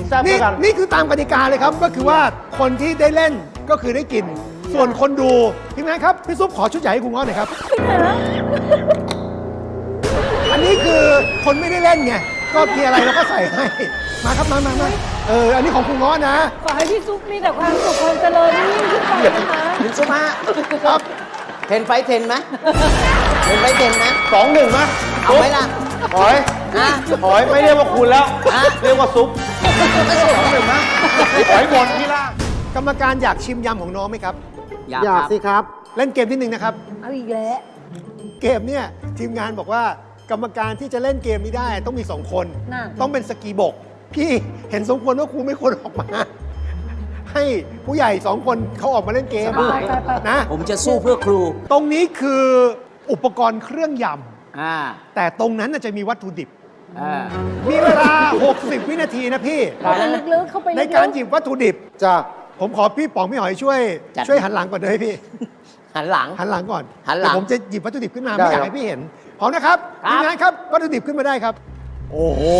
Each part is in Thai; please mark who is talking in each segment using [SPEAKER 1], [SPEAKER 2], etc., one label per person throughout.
[SPEAKER 1] แซ่บกันนี่คือตามกติกาเลยครับก็คือว่าคนที่ได้เล่นก็คือได้กิน ส่วนคนดูทีมงานครับพี่ซุปขอชุดใหญ่ให้คุณง้อหน่อยครับอันนี้คือคนไม่ได้เล่นไงก็มีอะไรเราก็ใส่ให้มาครับมาอันนี้ของคุณง้อนะ
[SPEAKER 2] ขอให้พี่ซุปมีแต่ความสุขความเจริญยิ่งขึ้นไปนะคะ
[SPEAKER 3] คุณซุปฮะ
[SPEAKER 1] ครับ
[SPEAKER 3] เทนไฟเทนไหมเทนไฟเทนไหม
[SPEAKER 4] 2-1นะ
[SPEAKER 3] เอาไหมล่ะ
[SPEAKER 4] หอย
[SPEAKER 3] ฮะ
[SPEAKER 4] หอยไม่เรียกว่าคุณแล้ว
[SPEAKER 3] ฮะ
[SPEAKER 4] เรียกว่าซุป2-1นะหอยหมดที่ล่าง
[SPEAKER 1] กรรมการอยากชิมยำของน้องไหมครับ
[SPEAKER 3] อยากสิครับ
[SPEAKER 1] เล่นเกมที่หนึ่งนะครับ
[SPEAKER 2] เอาอีกแล้ว
[SPEAKER 1] เกมเนี่ยทีมงานบอกว่ากรรมการที่จะเล่นเกมนี้ได้ต้องมี 2 คน
[SPEAKER 2] น่ะ
[SPEAKER 1] ต้องเป็นสกีบก พี่เห็นสมควรว่าครูไม่ควรออกมา ให้ผู้ใหญ่ 2 คนเขาออกมาเล่นเกม
[SPEAKER 2] ไป
[SPEAKER 1] นะ
[SPEAKER 3] ผมจะสู้เพื่อครู
[SPEAKER 1] ตรงนี้คืออุปกรณ์เครื่องย
[SPEAKER 3] อ่า
[SPEAKER 1] ำแต่ตรงนั้นน่ะจะมีวัตถุดิบ
[SPEAKER 3] อ่า
[SPEAKER 1] มีเวลา 60 วินาทีนะพี่
[SPEAKER 2] เข้าไปลึกๆเข้าไปลึกๆ
[SPEAKER 1] ในการหยิบวัตถุดิบ
[SPEAKER 4] จ้า
[SPEAKER 1] ผมขอพี่ป๋องพี่หอยช่วยหันหลังก่อนเลยพี่
[SPEAKER 3] หันหลัง
[SPEAKER 1] หันหลังก่อน
[SPEAKER 3] หันหลัง
[SPEAKER 1] เดี๋ยวผมจะหยิบวัตถุดิบขึ้นมา
[SPEAKER 4] ได้
[SPEAKER 1] ไม่อยาก
[SPEAKER 4] ครับ
[SPEAKER 1] ให้พี่เห็นพร้อมนะครับ
[SPEAKER 3] ครับ
[SPEAKER 1] ทีมงานครับวัตถุดิบขึ้นมาได้ครับ โอ้โห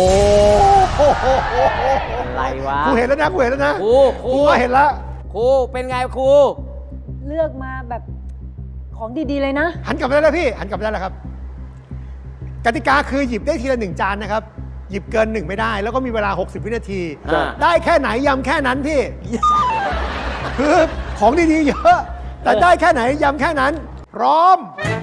[SPEAKER 3] อะไรวะ
[SPEAKER 1] ครูเห็นแล้วนะครูเห็นแล้วนะ
[SPEAKER 3] ครู
[SPEAKER 1] ครูว่าเห็นแล้ว
[SPEAKER 3] ครูเป็นไงครู
[SPEAKER 2] เลือกมาแบบของดีๆเลยนะ
[SPEAKER 1] หันกลับมาได้แล้วพี่หันกลับมาได้แล้วครับ กติกาคือหยิบได้ทีละ1 จานนะครับ หยิบเกิน 1 ไม่ได้ แล้วก็มีเวลา 60 วินาที
[SPEAKER 3] อ่า
[SPEAKER 1] ได้แค่ไหนยำแค่นั้นพี่ คือของดีๆเยอะ แต่ได้แค่ไหนยำแค่นั้น พร้อม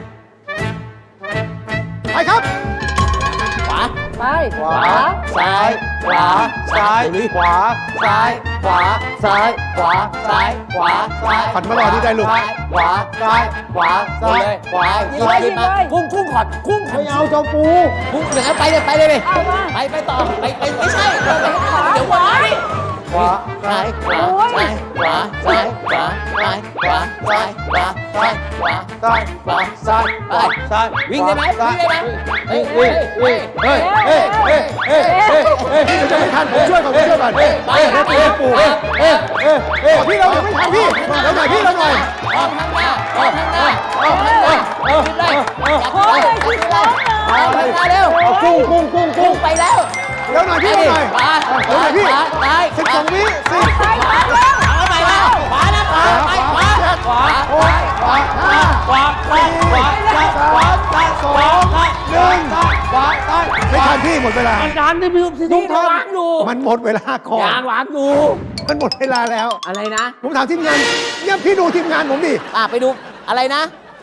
[SPEAKER 1] ไปครับ
[SPEAKER 3] ขวา
[SPEAKER 2] ไป
[SPEAKER 4] ขวาซ้ายขวาซ้ายขวาซ้ายขวาซ้ายขวาซ้ายขวาซ้าย
[SPEAKER 1] ผัดมารอนี่ได้ลูก
[SPEAKER 4] ขวาซ้ายขวาซ้ายขวา
[SPEAKER 3] หยิบหยิบมากุ้งขอดกุ้ง
[SPEAKER 4] ไม่เอาเจ้าปู
[SPEAKER 3] กุ้งเดี๋ยวไปเลยไปเลย
[SPEAKER 2] เอามา
[SPEAKER 3] ไปต่อไปไม่ใช่เดี๋ยววันนี้
[SPEAKER 4] ขวา
[SPEAKER 3] ซ้ายขวาซ้ายขวาซ้ายขวาซ้ายขวาซ้ายขวาซ้ายขวา
[SPEAKER 4] ซ้ายขวาซ้ายขวาซ้าย
[SPEAKER 3] วิ่งได้ไหมวิ่งได้ไหมเฮ้ย
[SPEAKER 1] เฮ้ยเฮ้ยเฮ้ยเฮ้ยเฮ้ยเฮ้ยเฮ้ยพี่จะไม่ทันผมช่วยก่อนผมช่วยก่อน
[SPEAKER 3] ไปครับ
[SPEAKER 1] เฮ้ยปู่เฮ้ยพี่เราไม่ทันพี่เราหน่อยพี่เราหน่อย
[SPEAKER 3] ออกทางหน้าออกทางหน้าออกทางหน้าขึ้นเลย
[SPEAKER 2] โอ้ยขึ้นแล้ว
[SPEAKER 3] ออกทางหน้าเร็ว กุ้งไปแล้ว
[SPEAKER 1] เดี๋ยวหน่อยพี่เราหน่อย
[SPEAKER 3] ขวา
[SPEAKER 1] เดี๋ยวหน่อยพี่
[SPEAKER 3] ซ้าย
[SPEAKER 1] 12 วิ10
[SPEAKER 2] ไปแล้ว
[SPEAKER 3] เอาไปแล้วขวานะขวาไปขวาขวาขวาขวาขวาขวาขวาขวาซ้ายขวาซ้ายขวาซ้ายขวาซ้าย
[SPEAKER 1] ไม่ทันพี่หมดเวลา
[SPEAKER 3] อาจารย์ที่พี่ตุ้งทวางอยู่
[SPEAKER 1] มันหมดเวลาก่อน
[SPEAKER 3] ยางวางอยู่
[SPEAKER 1] มันหมดเวลาแล้ว
[SPEAKER 3] อะไรนะ
[SPEAKER 1] ผมถามทีมงานเนี่ยพี่ดูทีมงานผมดิ
[SPEAKER 3] ไปดูอะไรนะ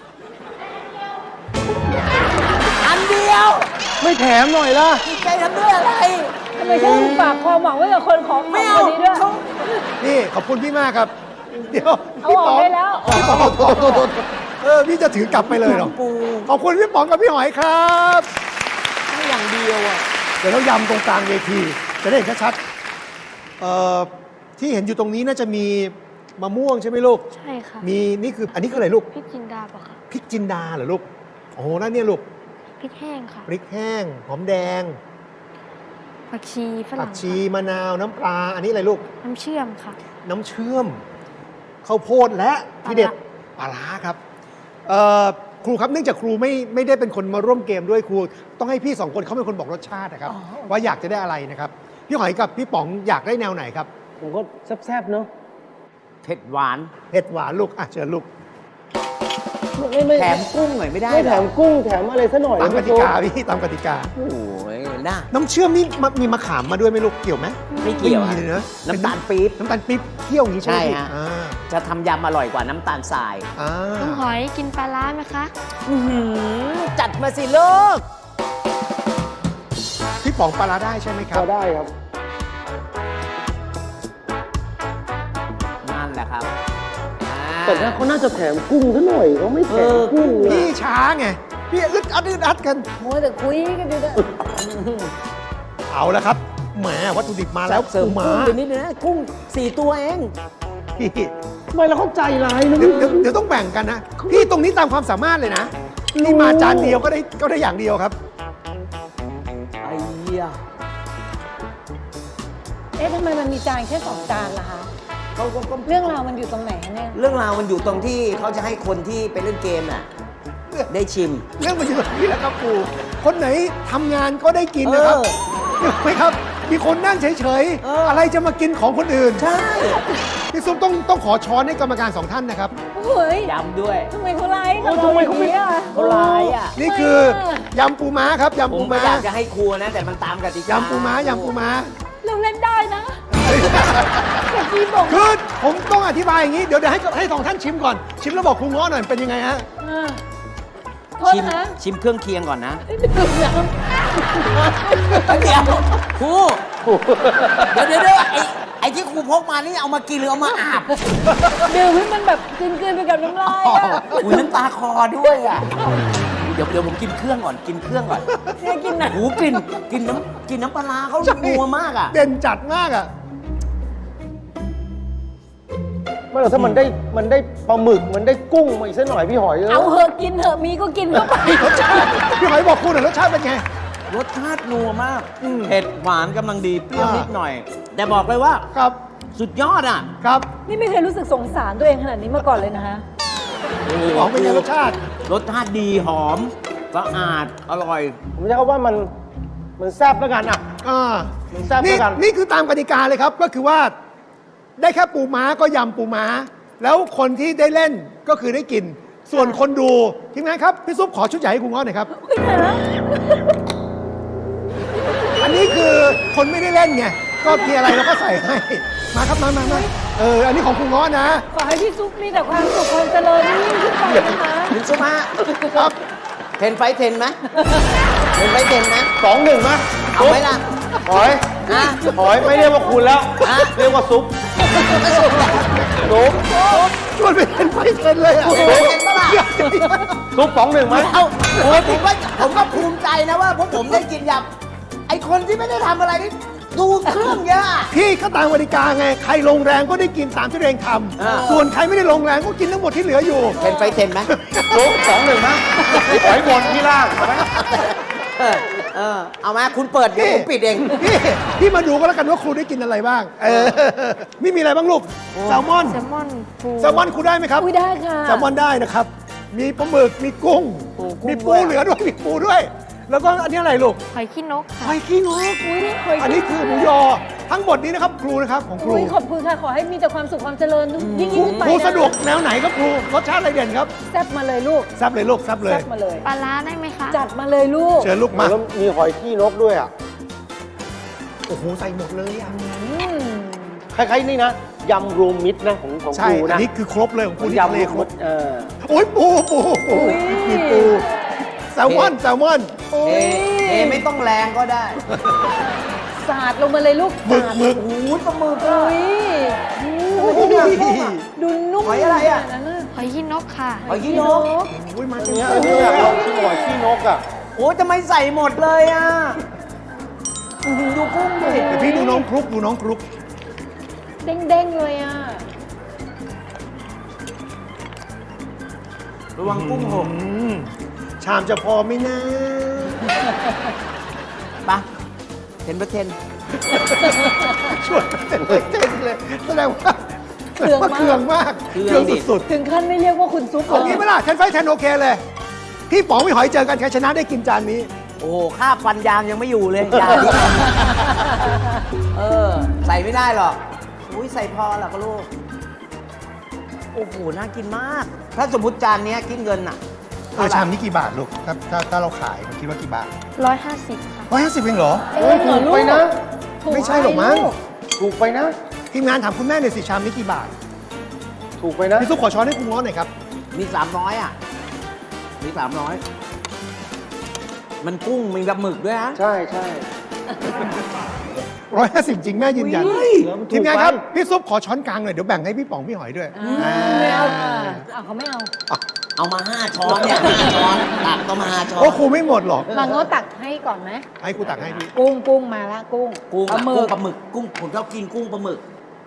[SPEAKER 3] อันเดียว
[SPEAKER 4] ไม่แถมหน่อยล่ะ
[SPEAKER 3] ใจทำด้วยอะไร
[SPEAKER 2] ทำไมฉันฝากความหวังไว้กับคนของ
[SPEAKER 3] ไม่
[SPEAKER 2] ค
[SPEAKER 3] เอา
[SPEAKER 2] นนี้ด้วย
[SPEAKER 3] เขา
[SPEAKER 1] นี่ขอบคุณพี่มากครับ เดี๋ยว
[SPEAKER 2] เอา
[SPEAKER 1] พี่
[SPEAKER 2] ออก
[SPEAKER 1] ป๋อง
[SPEAKER 2] ได้แล้ว
[SPEAKER 1] พี่ป๋องพี่จะถือกลับไปเลยเหรอ
[SPEAKER 3] ปู
[SPEAKER 1] ขอบคุณพี่ป๋องกับพี่หอยครับ
[SPEAKER 3] ไม่อย่างเดียวอ่ะ
[SPEAKER 1] เดี๋ยวเรายำตรงกลางเวที จะได้เห็นชัดๆที่เห็นอยู่ตรงนี้น่าจะมีมะม่วงใช่ไหมลูก
[SPEAKER 5] ใช่ค่ะ
[SPEAKER 1] มีนี่คืออันนี้คืออะไรลูก
[SPEAKER 5] พริกจินดาปะคะ
[SPEAKER 1] พริกจินดาเหรอลูกโอ้โหนั่นเนี่ยลูก
[SPEAKER 5] พริกแห้งค่ะ
[SPEAKER 1] พริกแห้งหอมแดง
[SPEAKER 5] ผักชีฝ
[SPEAKER 1] ผั
[SPEAKER 5] รั่
[SPEAKER 1] ก
[SPEAKER 5] ง
[SPEAKER 1] ชี
[SPEAKER 5] ค่ะ
[SPEAKER 1] มะนาวน้ำปลาอันนี้อะไรลูก
[SPEAKER 5] น้ำเชื่อมค่ะ
[SPEAKER 1] น้ำเชื่อมข้าวโพดและที่เด็ดปลาร้าครับครูครับเนื่องจากครูไม่ได้เป็นคนมาร่วมเกมด้วยครู ต้องให้พี่สองคนเขาเป็นคนบอกรสชาตินะครับ ว่าอยากจะได้อะไรนะครับ พี่หอยกับพี่ป๋องอยากได้แนวไหนครับ
[SPEAKER 4] ผมก็แซ่บๆเนาะ
[SPEAKER 3] เผ็ดหวาน
[SPEAKER 1] เผ็ดหวานลูกอ่ะเชิญลูก
[SPEAKER 4] ไม่
[SPEAKER 3] แถมกุ้งหน่อยไม่ได้
[SPEAKER 4] ไม่
[SPEAKER 3] เหร
[SPEAKER 4] แถ
[SPEAKER 3] อ
[SPEAKER 4] มกุ้งแถมอะไรซะหน่อย
[SPEAKER 1] ตามก
[SPEAKER 4] นะ
[SPEAKER 1] ติ
[SPEAKER 4] พี่
[SPEAKER 1] กาพี่ตามกติกา
[SPEAKER 3] โอ้ยน่า
[SPEAKER 1] น้ำเชื่อมนี่มีมะขามมาด้วยไหมลูกเกี่ยวไหม
[SPEAKER 3] ไม่เกี่ยว
[SPEAKER 1] ไม่
[SPEAKER 3] อะ
[SPEAKER 1] มีเลยนะ
[SPEAKER 3] น้ำตาลปี๊บ
[SPEAKER 1] น้ำตาลปี๊บเคี่ยวอย่างนี้ใช่ไหม
[SPEAKER 3] ใช่
[SPEAKER 1] พี่
[SPEAKER 3] ฮะ
[SPEAKER 1] อ่า
[SPEAKER 3] จะทำยำอร่อยกว่าน้ำตาลทราย
[SPEAKER 1] อ่า
[SPEAKER 5] น้องหอยกินปลาร้าไหมคะ
[SPEAKER 3] จัดมาสิลูก
[SPEAKER 1] พี่ป๋องปลาร้าได้ใช่ไหมค
[SPEAKER 4] พ
[SPEAKER 1] รับ
[SPEAKER 4] อได้ครับ
[SPEAKER 3] นั่นแหละครับ
[SPEAKER 4] แต่ถ้าเขาน่าจะแถมกุ้งซะหน่อยเขาไม่แถมกุ้ง
[SPEAKER 1] พี่
[SPEAKER 4] อะ
[SPEAKER 1] ช้าไงพี่อึดอัดกัน
[SPEAKER 2] โมแต่คุยกันอยู่นะ
[SPEAKER 1] เอาละครับแหมวัตถุดิบมาแล้ว
[SPEAKER 3] เสริม
[SPEAKER 1] ปูม้า
[SPEAKER 3] กุ้งไปนิดนึงนะกุ้ง4 ตัวเอง
[SPEAKER 1] พี่
[SPEAKER 4] ทำไมเราเข้าใจร้ายนะ
[SPEAKER 1] เดี๋ยวต้องแบ่งกันนะ พี่ตรงนี้ตามความสามารถเลยนะนี่มาจานเดียวก็ได้อย่างเดียวครับ
[SPEAKER 3] ไอ้เหี้ย
[SPEAKER 2] เอ๊ะทำไมมันมีจานแค่2 จานล่ะคะ
[SPEAKER 3] เขาก็
[SPEAKER 2] เรื่องราวมันอยู่ตรงไหนคะเนี่ย
[SPEAKER 3] เรื่องราวมันอยู่ตรงที่เขาจะให้คนที่ไปเล่นเกมน่ะ ได้ชิม
[SPEAKER 1] เรื่องมันอยู่ตรงนี้แหล้วครับครูคนไหนทำงานก็ได้กินนะครับ
[SPEAKER 3] เออ
[SPEAKER 1] ถูกไหมครับ
[SPEAKER 3] ค
[SPEAKER 1] มีคนนั่งเฉยๆ อะไรจะมากินของคนอื่น
[SPEAKER 3] ใช่
[SPEAKER 1] พี่ซุปต้องขอช้อนให้กรรมการ2ท่านนะครับ
[SPEAKER 2] เฮ้ย
[SPEAKER 3] ยำด้วย
[SPEAKER 2] ทำไมเขาไล่กับเราอย่างนี้อ่ะ
[SPEAKER 3] เขาร้ายอ่ะ
[SPEAKER 1] นี่คือยำปูม้าครับ
[SPEAKER 3] ผ
[SPEAKER 1] ยำปู
[SPEAKER 3] มไม่
[SPEAKER 1] ม้า
[SPEAKER 3] อยากจะให้ครัวนะ แต่มันตามกติกาย
[SPEAKER 1] ำปูม้ายำปูม้า
[SPEAKER 2] เราเล่นได้นะแต่พี่บอก
[SPEAKER 1] คือผมต้องอธิบายอย่างนี้ เดี๋ยวให้2ท่านชิมก่อน ชิมแล้วบอกครูง้อหน่อยเป็นยังไงฮะ
[SPEAKER 2] โทษ
[SPEAKER 3] ชิม
[SPEAKER 2] นะ
[SPEAKER 3] ชิมเครื่องเคียงก่อนนะ
[SPEAKER 2] ดื่มน้
[SPEAKER 3] เดี๋ยวครูเดี๋ยวไอ้ที่ครูพกมานี่เอามากินหรือเอามาอาบ
[SPEAKER 2] ำดื่มให้มันแบบกลืนๆไปกับน้ำลายอ่ะ
[SPEAKER 3] อุ้ยน้ำตาคอด้วยอ่ะ เดี๋ยวผมกินเครื่องก่อน กินเครื่องก่อน
[SPEAKER 2] เนี่ยกินนะ
[SPEAKER 3] หูกลิ่นน้ำปลาร้าเขา
[SPEAKER 1] ใช่
[SPEAKER 3] นัวมากอ่ะ
[SPEAKER 1] เด่นจัดมากอ่ะ
[SPEAKER 4] ไม่หรอกถ้ามันได้ปลาหมึกมันได้กุ้งมาอีกสักหน่อยพี่หอย
[SPEAKER 2] เอาเหอะกินเหอะมีก็กินเข้าไป
[SPEAKER 1] รสชาติพี่หอยบอกคุณหน่อยรสชาติเป็นไง
[SPEAKER 3] รสชาตินัวมาก
[SPEAKER 1] อืม
[SPEAKER 3] เผ็ดหวานกำลังดี เปรี้ยว
[SPEAKER 1] อ่านิ
[SPEAKER 3] นิดหน่อย แต่บอกเลยว่า
[SPEAKER 1] ครับ
[SPEAKER 3] สุดยอดอ่ะ
[SPEAKER 1] ครับ
[SPEAKER 2] นี่ไม่เคยรู้สึกสงสารตัวเองขนาดนี้มาก่อนเลยนะฮะ
[SPEAKER 1] ของเป็นไงรสชาติ
[SPEAKER 3] รสชาติดีหอมสะอาด อร่อย
[SPEAKER 4] ผมจะเขาว่ามันแซ่บแล้วกันอ่ะ
[SPEAKER 1] อ่า
[SPEAKER 4] มันแซ่บ
[SPEAKER 1] นี่
[SPEAKER 4] ด้วยกัน
[SPEAKER 1] นี่คือตามกติกาเลยครับ ก็คือว่า ได้แค่ปูม้าก็ยำปูม้า แล้วคนที่ได้เล่นก็คือได้กิน ส่วนคนดูทีมงานครับ พี่ซุปขอชุดใหญ่ให้คุณง้อหน่อยครับ
[SPEAKER 2] ไม่ใช่นะ
[SPEAKER 1] อันนี้คือคนไม่ได้เล่นไง ก็มีอะไรเราก็ใส่ให้ มาครับมาอันนี้ของคุณง้อนะ
[SPEAKER 2] ขอให้พี่ซุปมีแต่ความสุขความเจริญยิ่งขึ้นไปนะคะ
[SPEAKER 3] คุณสุภา
[SPEAKER 1] ครับ
[SPEAKER 3] เทนไฟเทนไหมเทนไฟเทนไหม
[SPEAKER 4] 2-1มั้ย
[SPEAKER 3] เอาไหมล่ะ
[SPEAKER 4] หอย
[SPEAKER 3] ฮะ
[SPEAKER 4] หอยไม่เรียกว่าคุณแล้ว
[SPEAKER 3] ฮะ
[SPEAKER 4] เรียกว่าซุปซุป
[SPEAKER 1] ชวนไปเล่นไฟเทนเลยอ่ะ
[SPEAKER 3] โอ้โหเห็นปะล่ะ
[SPEAKER 4] ซุป2-1มั้ย
[SPEAKER 3] เอาผมก็ภูมิใจนะว่าพวกผมได้กินยำไอคนที่ไม่ได้ทำอะไรนี่ดูเครื่องเยอะ
[SPEAKER 1] พี่ก็ตามกติกาไง ใครลงแรงก็ได้กินตามที่ตัวเองท
[SPEAKER 3] อ่า
[SPEAKER 1] ำส่วนใครไม่ได้ลงแรงก็กินทั้งหมดที่เหลืออยู่
[SPEAKER 3] เทนไฟเทนไหม
[SPEAKER 4] ซุป2-1มั้ยหอยบนที่ล่างเอาไหม
[SPEAKER 3] เอามาคุณเปิดเดี๋ยวผมปิดเอง
[SPEAKER 1] พี่มาดูก็แล้วกันว่าครูได้กินอะไรบ้าง นี่มีอะไรบ้างลูก แซลมอน
[SPEAKER 5] แซลมอนปู
[SPEAKER 1] แซลมอนครูได้ไหมครับ
[SPEAKER 2] อุ้ยได้ค่ะ
[SPEAKER 1] แซลมอนได้นะครับ มีปลาหมึก มีกุ้ง มีปูเหลือด้วย มีปูด้วย แล้วก็อันนี้อะไรลูก
[SPEAKER 5] หอยขี้นก
[SPEAKER 1] ห
[SPEAKER 5] ค่ะ
[SPEAKER 1] อยขี้นก
[SPEAKER 2] อุ้ยนี่เคย
[SPEAKER 1] อันนี้คือหมูยอ ทั้งหมดนี้นะครับ ครูนะครับของครู
[SPEAKER 2] อุ้ยขอบคุณค่ะ ขอให้มีแต่ความสุขความเจริญยิ่ง
[SPEAKER 1] ครู
[SPEAKER 2] ขึ้นไป
[SPEAKER 1] ครู
[SPEAKER 2] น
[SPEAKER 1] สะดวกแนวไหนครับครู รสชาติอะไรเด่นครับ
[SPEAKER 2] แซ่บมาเลยลูก
[SPEAKER 1] แซับเลยลูกแซับเลย
[SPEAKER 2] แซ่บมาเลย
[SPEAKER 5] ปลาร้าได้ไหมคะ
[SPEAKER 2] จัดมาเลยลูก
[SPEAKER 1] เชิญลูกมา
[SPEAKER 4] แล้วมีหอยขี้นกด้วยอ่ะ
[SPEAKER 1] โอ้โห ใส่หมดเลยอ่ะ
[SPEAKER 2] อืม
[SPEAKER 4] คล้ายๆนี่นะยำรวมมิตรนะของ
[SPEAKER 1] ใช่
[SPEAKER 4] ครู
[SPEAKER 1] อัน
[SPEAKER 4] นะ
[SPEAKER 1] นี้คือครบเลยของครูที่
[SPEAKER 4] ยำ
[SPEAKER 1] ทะเล
[SPEAKER 4] รวม
[SPEAKER 1] คร
[SPEAKER 4] มิ
[SPEAKER 1] บ
[SPEAKER 4] ตร
[SPEAKER 1] โอ้ยปูมีปูแซลมอนแซลมอน
[SPEAKER 2] โอ้
[SPEAKER 3] เท
[SPEAKER 2] ย
[SPEAKER 3] ไม่ต้องแรงก็ได้
[SPEAKER 2] สาดลงมาเลยลูก
[SPEAKER 1] หมึก
[SPEAKER 2] สาด
[SPEAKER 1] หมึก
[SPEAKER 3] โอ้ยปลาหมึก
[SPEAKER 2] อุ้
[SPEAKER 3] อะ
[SPEAKER 2] ย
[SPEAKER 1] โอ้ย
[SPEAKER 2] ดูนุ่ม
[SPEAKER 3] หอยอะไรอะ
[SPEAKER 2] ขนาดนั้นน่ะ
[SPEAKER 5] หอยขี้นกค่ะ
[SPEAKER 3] หอยขี้นก
[SPEAKER 1] โอ้ยมา
[SPEAKER 4] อัน
[SPEAKER 1] เต็ม
[SPEAKER 4] เนี้ย
[SPEAKER 1] ตัว
[SPEAKER 4] อัน
[SPEAKER 1] เล
[SPEAKER 4] นี้
[SPEAKER 1] ย
[SPEAKER 4] อยากล
[SPEAKER 1] อะ
[SPEAKER 4] องชิมหอยขี้นกอ่ะ
[SPEAKER 3] โอ้ยทำไมใส่หมดเลยอ่ะดูกุ้งดิ
[SPEAKER 1] เดี๋ยวพี่ดูน้องครุกดูน้องครุก
[SPEAKER 2] เด้งๆเลยอ่ะ
[SPEAKER 3] ระวังกุ้งหก
[SPEAKER 1] ชามจะพอไหมนะ
[SPEAKER 3] ปะเทนไปเทน
[SPEAKER 1] ช่วยเต้นเลยแสดงว่า
[SPEAKER 2] เครื่องมาก
[SPEAKER 1] เครื่องมากเครื่องสุด
[SPEAKER 2] ถึงขั้นไม่เรียกว่าคุณซุป
[SPEAKER 1] ๆเอางี้ไหมล่ะแทนไฟแทนโอเคเลย พี่ป๋องพี่หอยเจอกันใครชนะได้กินจานนี้
[SPEAKER 3] โอ้โหค่าฟันยางยังไม่อยู่เลยจานนี้ใส่ไม่ได้หรอกอุ้ยใส่พอหรอกลูก โอ้โห น่ากินมาก ถ้าสมมติจานเนี้ยคิดเงินอ่ะ
[SPEAKER 1] ชามนี้กี่บาทลูกถ้าเราขายเราคิดว่ากี่บาท
[SPEAKER 5] 150 ค่ะ
[SPEAKER 1] 150เองเหรอ
[SPEAKER 2] เอ้ยเหรอลูก
[SPEAKER 4] ไปนะ
[SPEAKER 2] ถูก
[SPEAKER 1] ไม่ใช่หรอกมั้ง
[SPEAKER 2] ลู
[SPEAKER 4] ถูกไปนะ
[SPEAKER 1] ทีมงานถามคุณแม่หน่อยสิชามนี้กี่บาท
[SPEAKER 4] ถูกไปนะ
[SPEAKER 1] พี่ซุปขอช้อนให้คุณง้อหน่อยครับ
[SPEAKER 3] มี300อ่ะ มี300 มันกุ้งมีปลาหมึกด้วยฮะ
[SPEAKER 4] ใช่ใช่
[SPEAKER 1] 150 จริงแม่ยืนยัน
[SPEAKER 3] อุ้ย
[SPEAKER 1] ทีมงานครับ พี่ซุปขอช้อนกลางหน่อยเดี๋ยวแบ่งให้พี่ป๋องพี่หอยด้วย
[SPEAKER 2] ไม่เอาเขาไม่เอา
[SPEAKER 3] เอามา5 ช้อนเนี่ย5 ช้อนตักก็มา5 ช้อน
[SPEAKER 1] โอ้ครูไม่หมดหรอก
[SPEAKER 2] มาโง่ตักให้ก่อนไหม
[SPEAKER 1] ให้ครูตักให้พี่
[SPEAKER 2] กุ้งมาละกุ้ง
[SPEAKER 3] กุ้ง
[SPEAKER 2] ปลาหมึก
[SPEAKER 3] ปลาหมึกกุ้งผมชอบกินกุ้งปลาหมึก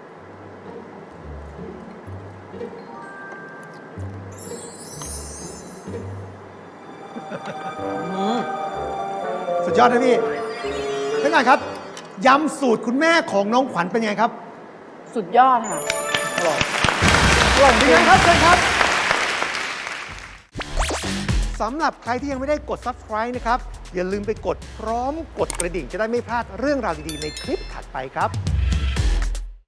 [SPEAKER 1] สุดยอดนะพี่ท่านผู้การครับยำสูตรคุณแม่ของน้องขวัญเป็นไงครับ
[SPEAKER 2] สุดยอดค่ะ
[SPEAKER 1] เป็นไงครับเชิญครับสำหรับใครที่ยังไม่ได้กด subscribe นะครับอย่าลืมไปกดพร้อมกดกระดิ่งจะได้ไม่พลาดเรื่องราวดีๆในคลิปถัดไปครับ